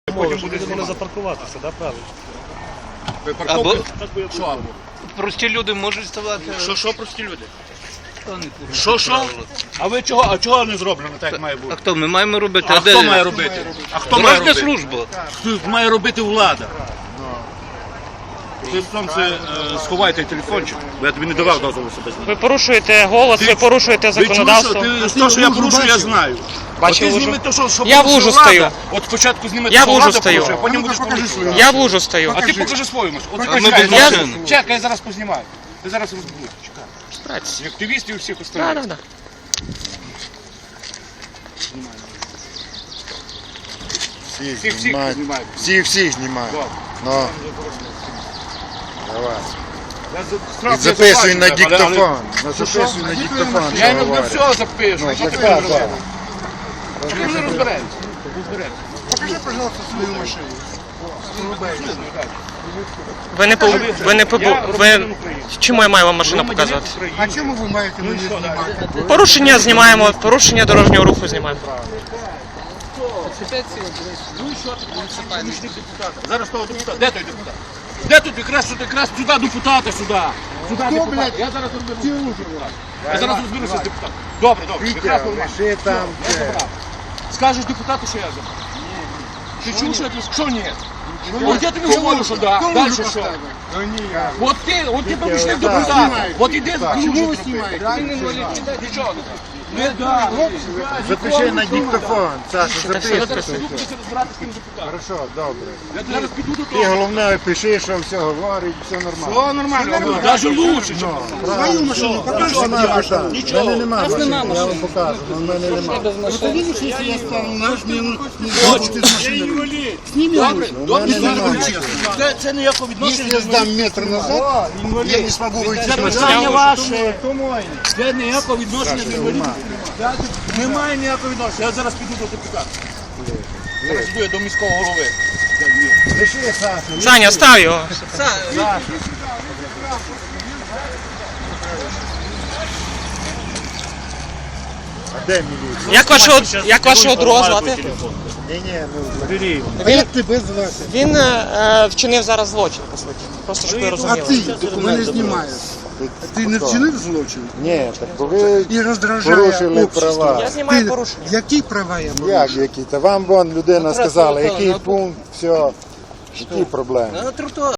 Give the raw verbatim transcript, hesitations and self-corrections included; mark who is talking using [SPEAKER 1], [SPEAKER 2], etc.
[SPEAKER 1] Потім буде вони запаркуватися, так, правильно?
[SPEAKER 2] Ви парковку?
[SPEAKER 1] Що або?
[SPEAKER 3] Прості люди можуть ставати.
[SPEAKER 2] Що, що прості люди?
[SPEAKER 3] Хто не порушує
[SPEAKER 2] Що, що?
[SPEAKER 3] правила?
[SPEAKER 2] А ви чого, а чого не зроблено так, як має
[SPEAKER 3] А
[SPEAKER 2] бути?
[SPEAKER 3] хто ми маємо робити?
[SPEAKER 2] А
[SPEAKER 3] де?
[SPEAKER 2] хто має робити? А хто має
[SPEAKER 3] Дорожня
[SPEAKER 2] робити?
[SPEAKER 3] служба.
[SPEAKER 2] Хто має робити влада? Ти потім це е, сховай той телефончик, бо я тобі не давав дозволу себе знати.
[SPEAKER 4] Ви порушуєте голос, ви порушуєте
[SPEAKER 2] Ви чуєш,
[SPEAKER 4] законодавство.
[SPEAKER 2] що ти, то, що я порушую, я знаю.
[SPEAKER 4] Бачив
[SPEAKER 2] От ти
[SPEAKER 4] лужу?
[SPEAKER 2] зніми то, що, що
[SPEAKER 4] Я в
[SPEAKER 2] порушує
[SPEAKER 4] лужу
[SPEAKER 2] влада.
[SPEAKER 4] стою.
[SPEAKER 2] От спочатку зніми
[SPEAKER 4] Я
[SPEAKER 2] те,
[SPEAKER 4] в
[SPEAKER 2] що
[SPEAKER 4] лужу
[SPEAKER 2] влада
[SPEAKER 4] стою.
[SPEAKER 2] порушує, потім будеш порушувати.
[SPEAKER 4] Я в лужу стою.
[SPEAKER 2] А ти покажи свою машину. От
[SPEAKER 3] А ми
[SPEAKER 2] чекай,
[SPEAKER 3] без
[SPEAKER 2] я-
[SPEAKER 3] машини.
[SPEAKER 2] Чекай, я зараз познімаю. Ти зараз розбудеш. Чекай.
[SPEAKER 4] Братці.
[SPEAKER 2] І активістів і всіх
[SPEAKER 4] Да,
[SPEAKER 2] остальних.
[SPEAKER 4] да, да.
[SPEAKER 5] Всіх
[SPEAKER 2] Всіх, всіх
[SPEAKER 5] знімають.
[SPEAKER 2] знімають.
[SPEAKER 5] Всіх, всіх знімають.
[SPEAKER 2] Добре.
[SPEAKER 5] Ну. Давай.
[SPEAKER 2] Я за- штраф
[SPEAKER 5] І
[SPEAKER 2] я
[SPEAKER 5] записуй на
[SPEAKER 2] заплачу, але-
[SPEAKER 5] диктофон. Ну, записуй на диктофон,
[SPEAKER 2] Я
[SPEAKER 5] що
[SPEAKER 2] йому на
[SPEAKER 5] говорить.
[SPEAKER 2] все запишу.
[SPEAKER 5] Ну,
[SPEAKER 2] Що
[SPEAKER 5] так
[SPEAKER 2] ти
[SPEAKER 5] так,
[SPEAKER 2] мені
[SPEAKER 5] так.
[SPEAKER 2] розумієш? Ми вже розберемося. Розберемося.
[SPEAKER 5] Покажи, пожалуйста, свою машину.
[SPEAKER 4] Ви не по ви не по ви чому я маю вам машину показувати?
[SPEAKER 5] А чому ви маєте мені знімати?
[SPEAKER 4] Порушення знімаємо, порушення дорожнього руху знімаємо.
[SPEAKER 2] Зараз того депутата. Де той депутат? Де тут якраз тут якраз сюди депутата сюди? Сюди депутата. Я зараз розберуся. Я зараз розберуся з депутатом. Добре, добре. Якраз нормально.
[SPEAKER 5] Лиши там.
[SPEAKER 2] Я забрав. Скажеш депутату, що я забрав? Ти чув, що я тобі сказав? Що ні? От я тобі говорю, що да. Далі що? От ти, от ти помічник депутата. От іди, чому ви знімаєте? Нічого не так. Не да.
[SPEAKER 5] Запиши на диктофон. Саша,
[SPEAKER 2] Я
[SPEAKER 5] запиши.
[SPEAKER 2] зараз піду кудись розбиратися з тим депутатом.
[SPEAKER 5] Хорошо, добре.
[SPEAKER 2] Я зараз піду до
[SPEAKER 5] Ти
[SPEAKER 2] того.
[SPEAKER 5] головне пиши, що все говорить, все нормально.
[SPEAKER 2] О, нормально. Даже лучше, чим
[SPEAKER 5] Свою машину покажи. Нічого. У мене нема машини, я вам покажу, але в мене нема.
[SPEAKER 2] Добре, добре.
[SPEAKER 5] мене немає.
[SPEAKER 2] Це, це ніякого відношення.
[SPEAKER 5] Якщо я здам метр назад, я не змогу вийти з
[SPEAKER 2] Це
[SPEAKER 5] машини.
[SPEAKER 2] питання ваше. Це ніякого відношення до інвалідів. Немає ніякого відношення. Я зараз піду до депутата. Зараз піду я до міського голови.
[SPEAKER 5] Лиши, Саша.
[SPEAKER 4] Саня, став його.
[SPEAKER 5] А де міліція?
[SPEAKER 4] Як вашого як вашого друга звати?
[SPEAKER 5] Ні, ні, ну, а як тебе звати?
[SPEAKER 4] Він е, вчинив зараз злочин, по суті. Просто щоб ви
[SPEAKER 6] А
[SPEAKER 4] розуміли.
[SPEAKER 6] ти мене знімаєш. А ти не вчинив злочин?
[SPEAKER 5] Ні, так ви
[SPEAKER 6] І роздражає
[SPEAKER 5] порушили
[SPEAKER 6] общество.
[SPEAKER 5] права.
[SPEAKER 4] Я знімаю
[SPEAKER 6] Ти-
[SPEAKER 4] порушення.
[SPEAKER 6] Які права я маю?
[SPEAKER 5] Як які? Та вам вон людина сказала, який пункт, все. Які проблеми?